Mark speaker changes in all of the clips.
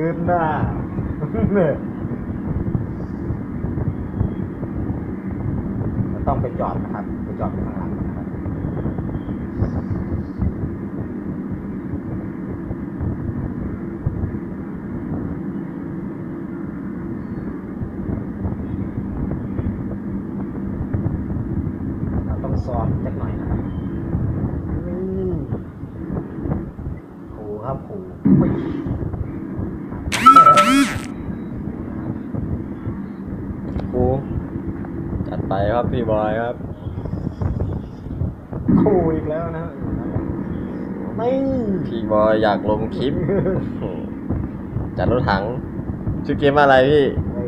Speaker 1: นหน้าเนี่ยต้องไปจอดนะครับไปจอดข้างหลังนะครับเราต้องซ้อมจักหน่อยนะครับนี่ขู่ครับขู่
Speaker 2: ครูจัดไปครับพี่บอยครับ
Speaker 1: ขู่อีกแล้วนะไม่
Speaker 2: พี่บอยอยากลงคลิป จัดรถถังชื่อเกมอะไรพี่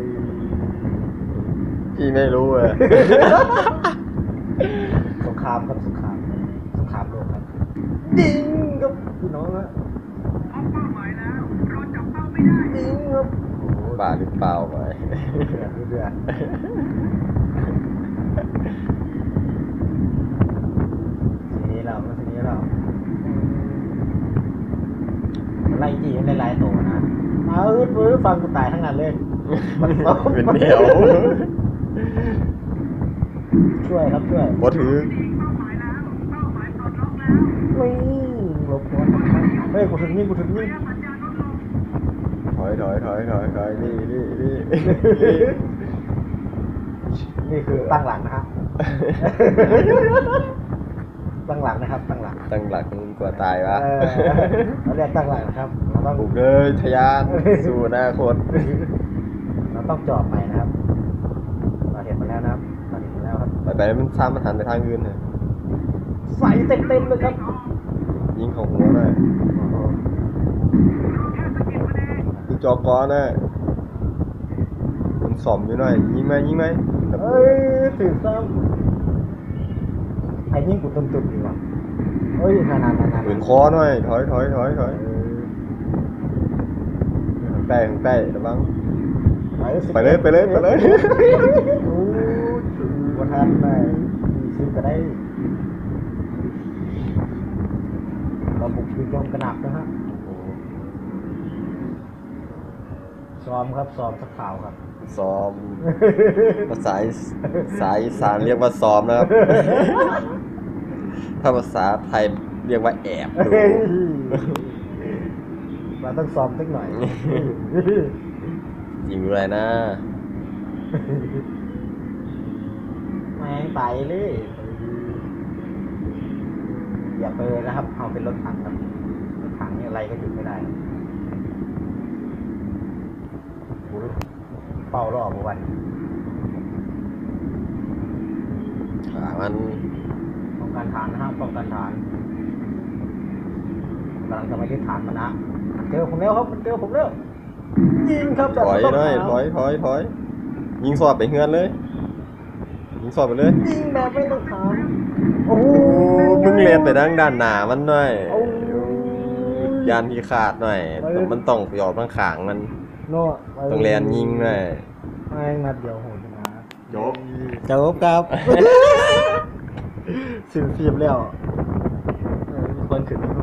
Speaker 2: พี่ไม่รู้เลย
Speaker 1: สงครามครับสงครามโลกครับยิงครับพี่น้องฮะยิงครับ
Speaker 2: บ้าหรือเปล่าไป
Speaker 1: เดือดทีนี้เราไล่จีนไล่โตนะมาฟังกูตายทั้งนั้นเลย
Speaker 2: เป็นเดียว
Speaker 1: ช่วยครับช่วย
Speaker 2: บ่ถือ
Speaker 1: ไม่หลบหัวเฮ้ยกูถึงยิง
Speaker 2: ถอยนี่
Speaker 1: นี่คือตั้งหลังนะฮะ ตั้งหลังนะครับตั้งหลัง
Speaker 2: ตั้งหลักกว่าตายวะ
Speaker 1: เราเรียกตั้งหลังนะครับเราต้อง
Speaker 2: บุกเลยทะยานสู่อนาคต
Speaker 1: เราต้องจอดใหม่นะครับเราเห็นมาแล้วนะครับครับ
Speaker 2: ไปมันซ้ำมันหันไปทางอื่นเลย
Speaker 1: ใส่เต็มเลยครับ
Speaker 2: ยิงของหัวหน่อยคือจอกอนะมันสอมอยู่หน่อยยิงไหม
Speaker 1: เอ้ยถือซ้ำไอ้ยิ่งกูตุ่มดีว่ะเฮ้ยนาน
Speaker 2: ปืนคอหน่อยถอยแป้ระวังไปเลย
Speaker 1: โอ้วันทันไปซื้อก็ได้เราบุกยิงโจมกระหนับนะฮะซ้อมสักข่าวครับ
Speaker 2: ซ้อมภาษาอีสานเรียกว่าซ้อมนะครับ ถ้าภาษาไทยเรียกว่าแอบดู
Speaker 1: เราต้องซ้อมสักหน่อย
Speaker 2: ยิงอะไรนะ
Speaker 1: แม่งไปเลยอย่าไปเลยนะครับเอาเป็นรถถังครับรถถังนี่อะไรก็หยุดไม่ได้เป่ารอบวัน
Speaker 2: มัน
Speaker 1: ป้องกันฐานนะครับป้องกันฐานกำลังจะไปที่ฐานมันนะเจอผมแล้วครับเจอผมแล้วยิงครับ
Speaker 2: ถอยยิงสอดไปเฮือนเลยยิงสอดไปเลย
Speaker 1: ยิงแบบไม่ต้องถามโอ้
Speaker 2: มึงเรียนไปด้านหน้ามันหน่อยยานที่ขาดหน่อยมันต้องหยอดข้างขางมันต้องเรียนยิงหน่อย
Speaker 1: แม่งนัดเดียวโหดนะ
Speaker 2: จบ
Speaker 1: ครับ สิบแล้วคนขึ้น